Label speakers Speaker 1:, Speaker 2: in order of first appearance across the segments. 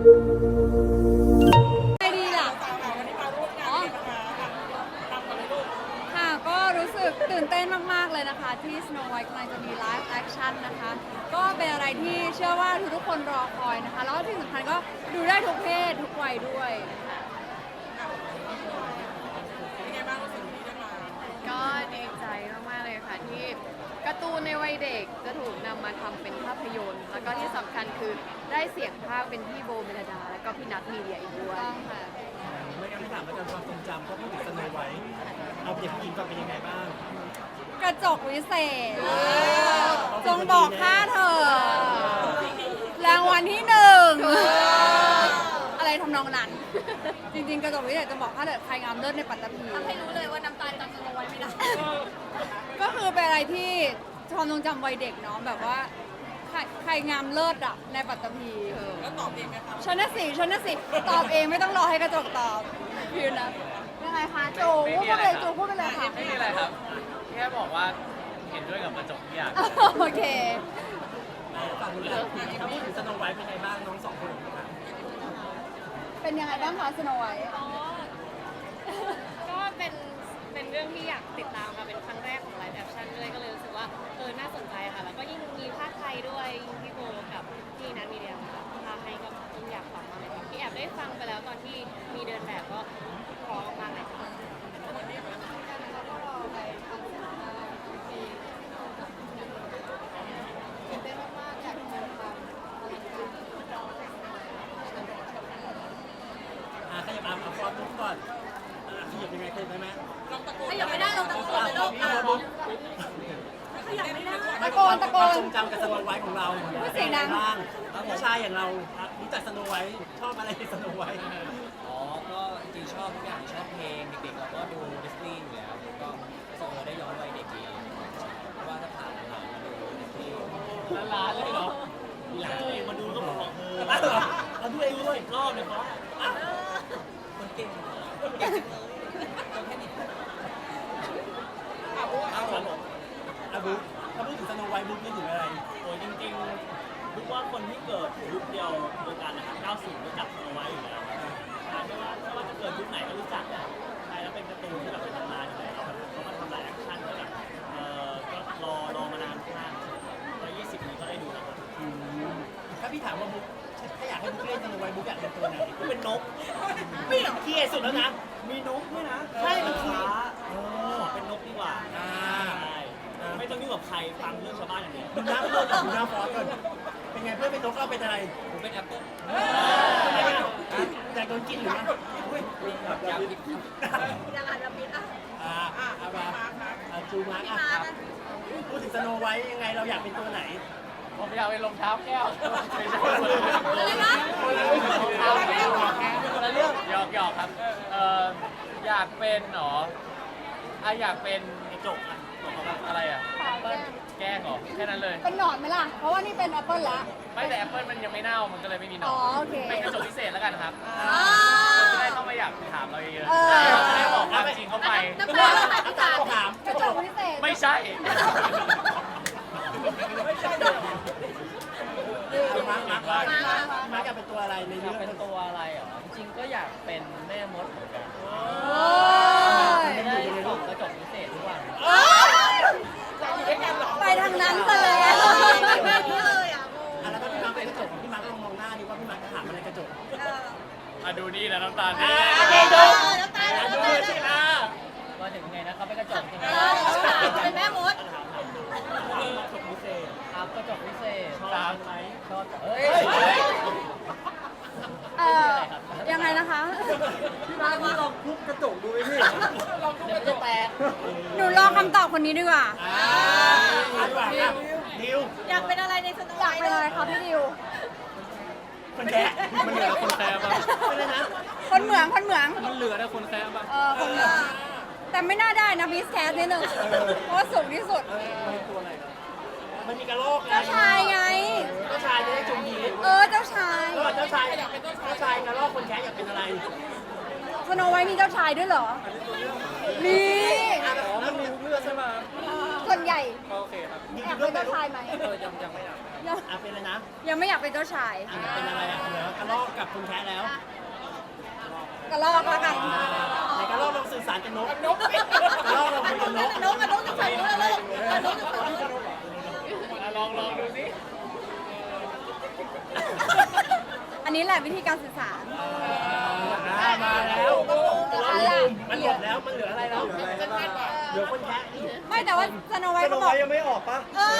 Speaker 1: ไม่ดีล่ะค่ะก็รู้สึกตื่นเต้นมากๆเลยนะคะที่ Snow White กำลังจะมีไลฟ์แอคชั่นนะคะก็เป็นอะไรที่เชื่อว่าทุกคนรอคอยนะคะแล้วที่สำคัญก็ดูได้ทุกเพศทุกวัยด้วย
Speaker 2: ก็ดีใจมากๆเลยค่ะที่การ์ตูนในวัยเด็กจะถูกนำมาทำเป็นภาพยนตร์ แล้วก็ที่สำคัญคือได้เสียงภาคเป็นพี่โบเมลดา แล้วก็พี่นัทมีเดียอีกด้วย
Speaker 1: ต้องค่ะ
Speaker 3: ไม่งั้นไม่ถามอาจารย์ความทรงจำก็พูดถึงสโนไวท์เอาเด็กผู้หญิงก่อนเป็นยังไงบ้าง
Speaker 1: กระจกวิเศษจงบอกข้าเธอรางวัลที่ 1อะไรทำนองนั้น จริงๆกระจกวิเศษจะบอกข้าเธอใครงามเลิศในปัตตภี
Speaker 2: ทำให้รู้เลยว่าน้ำตาลจำสโนไว้ไม่ได้
Speaker 1: ก็คือเป็นอะไรที่ความทรงจำวัยเด็กเนาะแบบว่าใครงามเลิศอะในปัตตภีแล้วตอบเองไหมคะฉันน่ะสิตอบเองไม่ต้องรอให้กระจกตอบพิวนะยังไงคะจูพูดไปเลยจูพูดไปเลยค่ะ
Speaker 4: ไม่มีอะไรครับแค่บอกว่าเห็นด้วยกับกระจกทุกอย่าง
Speaker 1: โอเค
Speaker 3: ฝั่งนู้นเลยถ้าพูดถึงสโนไวท์เป็นยังไงบ้างน้องสองคนครับ
Speaker 1: เป็นยังไงบ้างคะสโนไวท์
Speaker 2: ก็เป็นเรื่องที่อยากติดตามค่ะเป็นครั้งแรกของไลฟ์แอคชั่นด้วยก็เลยรู้สึกว่าน่าสนใจค่ะแล้วก็ยิ่งมีภาคไทยด้วยยิ่งพี่โบกับพี่นัทมีเดียค่ะพาให้ก็ยิ่งอยากฟังมากเลยค่ะที่แอบได้ฟังไปแล้วตอนที่มีเดินแบบก็พร้อมมากเลยค่ะ
Speaker 3: ขยับเอาฟอนต์ก่อนขยับยังไงเคยไหม
Speaker 2: ถ้ายังไม่ได้เราตะโกนเลยลูก
Speaker 1: ตะโกน
Speaker 3: ความทรงจำกับสโนไวท์ของเรา
Speaker 1: พูดเสียงดัง
Speaker 3: บ้างผู้ชายอย่างเรารู้จักสโนไวท์ชอบอะไรในสโนไวท์
Speaker 4: อ๋อ ก็จริงๆชอบทุกอย่างชอบเพลงเด็กๆเราก็ดูดิสนีย์อยู่แล้วก็ได้ย้อนวัยเด็กดีเพราะว่าถ้าผ่านหลานมาดูดิสนีย์ล้านเลยเหรอ
Speaker 3: มีหลานตัวเองมาดูก็บอกเอาดูเองด้วยรอบเลยเพราะ
Speaker 4: คนเก่งเก่งจังเลยตัวแค่นี้
Speaker 3: เอาผมบุ๊คถ้าพูดถึงสโนไวท์บุ๊คนึกถึงอะไร
Speaker 5: โอ้ยจริงๆรู้ว่าคนที่เกิดยุคเดียวกันนะครับ90รู้จักเอาไว้อยู่แล้วไม่ว่าจะเกิดยุคไหนก็รู้จักแหละใช่แล้วเป็นการ์ตูนที่แบบเป็นตำนานอยู่แล้วแบบเขามาทำหลายแอคชั่นก็แบบก็รอมานานมาก120นี้ก็ได้ดูแล้วครับ
Speaker 3: ถ้าพี่ถามว่าบุ๊คถ้าอยากให้บุ๊คเล่นสโนไวท์บุ๊คอยากเป็นตัวไหนก็เป็นนกไม่อยากเกลียดสุดแล้วนะ
Speaker 5: มีนกด้วยนะ
Speaker 3: ใช่มันคือ
Speaker 5: เป็นนกดีกว่าใช่ไม่ต้องยุ่งกับใครฟังเรื่องชาวบ้านอย่างเดียว
Speaker 3: ดูหน้าเพื่อนดูหน้าฟอสก่อนเป็นไงเพื่อนเป็นนกเราเป็นอะไร
Speaker 4: ผมเป็นแอปเปิ้ล
Speaker 3: อยากโดนกินหรือมั้ง
Speaker 4: อยากกิน
Speaker 2: ยังอ่านระบิดอ่ะ
Speaker 3: เอามาจูมาร์คพูดถึงสโนไวท์ยังไงเราอยากเป็นตัวไหน
Speaker 4: ผมอยากเป็นรองเท้าแก้ว
Speaker 2: อะไรนะ
Speaker 4: เรื่องหยอกครับอยากเป็นหรออยากเป็นกระจกอะไรแกล้งหรอแค่นั้นเลย
Speaker 1: เป็นหนอนไหมล่ะ เพราะว่านี่เป็นแอปเปิลละ
Speaker 4: ไม่แต่แอปเปิลมันยังไม่เน่ามันก็เลยไม่มีหนอน
Speaker 1: อ๋อโอเค
Speaker 4: เป็นกระจกพิเศษแล้วกันครับ
Speaker 1: อ๋อ
Speaker 4: คนจะได้เข้ามาอยากถามเราเยอะ
Speaker 1: เออ
Speaker 4: ๆจะได้บอกความจริงเข้าไป
Speaker 2: น้ำตาลหายไปสาม
Speaker 3: ถาม
Speaker 1: กระจกวิเศษ
Speaker 4: ไม่ใช่
Speaker 3: มาร์คอยากเป็นตัวอะไรใน
Speaker 4: อยา
Speaker 3: เรื่
Speaker 4: ก
Speaker 3: อง
Speaker 4: เป็นตัวอะไรเหรอจริงๆก็อยากเป็นแม่มดเหมือนกัน
Speaker 1: โอ้ย
Speaker 4: จะได้ส่องกระจกพิเศษทุกวัน
Speaker 1: ไปทางนั้นซะเลยอะ
Speaker 2: นี่เลยอ่ะ
Speaker 3: แล้วก็พี่มาร์คเป็นกระจกพี่มาร์คลองมองหน้าดิว่าพี่มาร์คจะถามอะไรกระจก
Speaker 4: ดูนี่นะน้ำตาลนี่
Speaker 3: ดู
Speaker 2: น้ำตาล
Speaker 3: ดูสิอ่ะ
Speaker 4: มาถึงไงนะครับเป็นกระจกใช่ไหม
Speaker 2: เป็นแม่มด
Speaker 3: กระจกพิเศษ
Speaker 4: ครับกระจกพิเศษ
Speaker 3: ตามไหม
Speaker 4: ชอบเฮ้ย
Speaker 1: ยังไงนะคะ
Speaker 3: พี่มาร์คลองทุบกระจกดูไหมพี่
Speaker 4: เดี๋ยวมันจะแตก
Speaker 1: หนูรอคำตอบคนนี้ดีกว่า
Speaker 3: ดีกว่าครับดิว
Speaker 2: อยากเป็นอะไรในสโน
Speaker 1: อ
Speaker 2: ไว
Speaker 1: ยาก
Speaker 2: ท์
Speaker 1: เป็นอะไรคะพี่ดิว
Speaker 3: คนแก่มันเหลือคนแก่ป่ะเป็นไรนะ
Speaker 1: คนเหมือง
Speaker 4: มันเหลือแต่คนแซมป่ะ
Speaker 1: คนเหมือง แต่ไม่น่าได้นะบีสแคสนิดนึงเพราะว่าสูงที่สุด
Speaker 3: มันมีกระโหลกไง
Speaker 1: เจ้าชายไง
Speaker 3: เจ้าชายจะได้จมยี
Speaker 1: เจ้าชาย
Speaker 3: เจ้าชายอยากเป็นเจ้าชายกระโหลกคนแก่อยากเป็นอะไร
Speaker 1: สโนไวท์มีเจ้าชายด้วยเหรอ มี
Speaker 3: มันมีเลือดใช่ไหม
Speaker 1: ส่วนใหญ่
Speaker 4: โอเคครับ
Speaker 1: อยากเป็นเจ้าชายไหม
Speaker 4: ยังไม่อยาก
Speaker 3: เป็นอะไรนะ
Speaker 1: ยังไม่อยากเป็นเจ้าชาย
Speaker 3: เป็นอะไรอ่ะเหลือกระโหลกกับกับคุณแค่แล้ว
Speaker 1: กระลอกแล้วกัน
Speaker 3: ในการลองลองสื่อสารกับนกกระลอกลองคุยกับนก
Speaker 1: นกจะใส่รู้แล้วนกจะใส่รู้
Speaker 5: ลองดูสิ
Speaker 1: อันนี้แหละวิธีการสื่อสาร
Speaker 3: มาแล้ว
Speaker 1: อะไรอ่ะ
Speaker 3: มันเหลือแล้วมันเหลืออะไรแล้วเหลือคนแค่
Speaker 1: ไม่แต่ว่าสโนไวท์เขาบอก
Speaker 6: ยังไม่ออกปะ
Speaker 1: เออ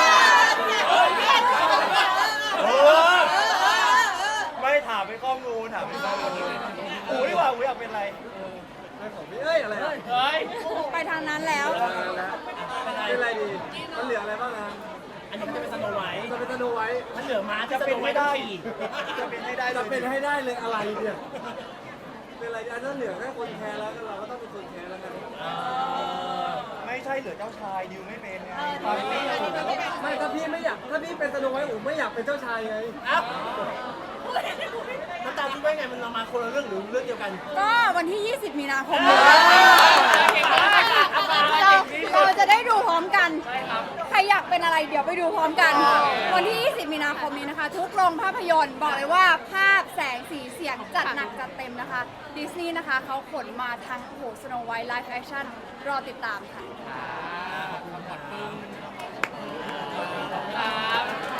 Speaker 6: ไม่ถามเป็นข้อมูลถามเป็นข้อมูลอูดีกว่าอูอยากเป็นอะไรไม่ของพี่เอ้ยอะไรอะ
Speaker 5: เฮ้ย
Speaker 1: ไปทางนั้นแล้ว
Speaker 6: เป็นอะไรดี มันเหลืออะไรบ้างนะ
Speaker 3: อันนี้จะเป็นสโนไวท์
Speaker 6: จะเป็นธนูไว้
Speaker 3: มันเหลือม้าที่
Speaker 6: จะ
Speaker 3: ส
Speaker 6: เป็
Speaker 3: โน
Speaker 6: น
Speaker 3: ไว
Speaker 6: ให้
Speaker 3: ท์ต้อ
Speaker 6: ได้
Speaker 3: งขี่
Speaker 6: จะเป็นให้ได้จะเป็นให้ได้เลยอะไรเนี่ย เป็นอะไรอันนั้นเหลือแค่คนแคร์แล้วเราก็ต้องเป็นคนแคร์แล้วกันไม่ใช่เหลือเจ้าชายดิวไม่เป็นไงไม่ถ้าพี่ไม่อยากถ้าพี่เป็นสโนไวท์อูไม่อยากเป็นเจ้าชายไง
Speaker 3: เอ้าน้ำตาลคิดว่าไงมันเรามาคนละเรื่องหรือเรื่องเดียวกัน
Speaker 1: ก็วันที่ 20 มีนาคมนี้เราจะได้ดูพร้อมกัน ใครอยากเป็นอะไรเดี๋ยวไปดูพร้อมกัน วันที่ 20 มีนาคมนี้นะคะ ทุกโรงภาพยนตร์บอกเลยว่าภาพแสงสีเสียงจัดหนักจัดเต็มนะคะดิสนีย์นะคะเขาขนมาทั้งโอ้โหสโนไวท์ไลฟ์แอคชั่นรอติดตามค่ะ
Speaker 5: ครับ